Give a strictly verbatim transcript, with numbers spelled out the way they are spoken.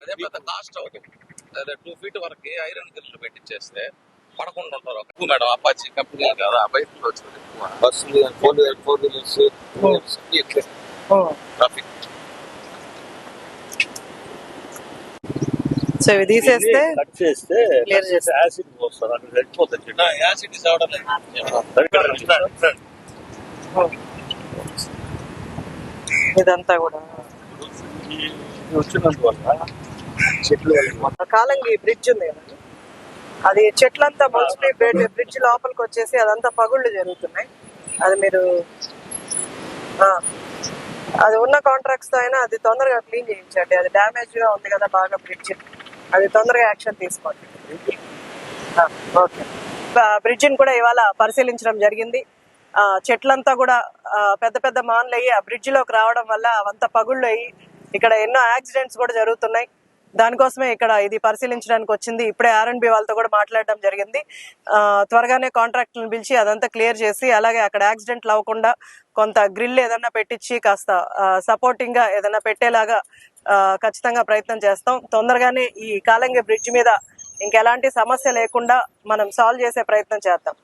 అదే పెద్ద కాస్ట్ అవుతుంది. అదే టూ ఫీట్ వరకు ఐరన్ గిల్లు పెట్టించేస్తే పడకుండా ఉంటారు. ఎక్కువ మేడం అపాచీ కంపెనీ కదా బయటకు వచ్చింది ఎక్కువ బస్సులు four wheeler four wheelers traffic. So ఇవి తీసేస్తే కట్ చేస్తే క్లియర్ చేస్తే యాసిడ్ పోస్తారు అక్కడ వెళ్ళిపోతుంది. యాసిడ్ అవడం లేదు. ఇదంతా కూడా వచ్చినందువల్ల చెట్లు కాలంగి బ్రిడ్జ్ ఉంది కదా, అది చెట్లంతా మోస్ట్లీ బ్రిడ్జ్ లోపలికి వచ్చేసి అదంతా పగుళ్ళు జరుగుతున్నాయి. అది మీరు ఆ, అది ఉన్న కాంట్రాక్ట్స్ తో అయినా అది తొందరగా క్లీన్ చేయించండి. అది డ్యామేజ్ గా ఉంది కదా బాగా బ్రిడ్జ్, అది తొందరగా యాక్షన్ తీసుకోండి. ఓకే, బ్రిడ్జిని కూడా ఇవాళ పరిశీలించడం జరిగింది. ఆ చెట్లంతా కూడా పెద్ద పెద్ద మాన్లు అయ్యి ఆ బ్రిడ్జ్ లోకి రావడం వల్ల అవంతా పగుళ్ళు అయ్యి ఇక్కడ ఎన్నో యాక్సిడెంట్స్ కూడా జరుగుతున్నాయి. దానికోసమే ఇక్కడ ఇది పరిశీలించడానికి వచ్చింది. ఇప్పుడే ఆర్ అండ్ బి వాళ్ళతో కూడా మాట్లాడడం జరిగింది. ఆ త్వరగానే కాంట్రాక్టులను పిలిచి అదంతా క్లియర్ చేసి, అలాగే అక్కడ యాక్సిడెంట్లు అవ్వకుండా కొంత గ్రిల్ ఏదన్నా పెట్టించి కాస్త సపోర్టింగ్ గా ఏదన్నా పెట్టేలాగా ఖచ్చితంగా ప్రయత్నం చేస్తాం. తొందరగానే ఈ కాలంగి బ్రిడ్జ్ మీద ఇంకెలాంటి సమస్య లేకుండా మనం సాల్వ్ చేసే ప్రయత్నం చేద్దాం.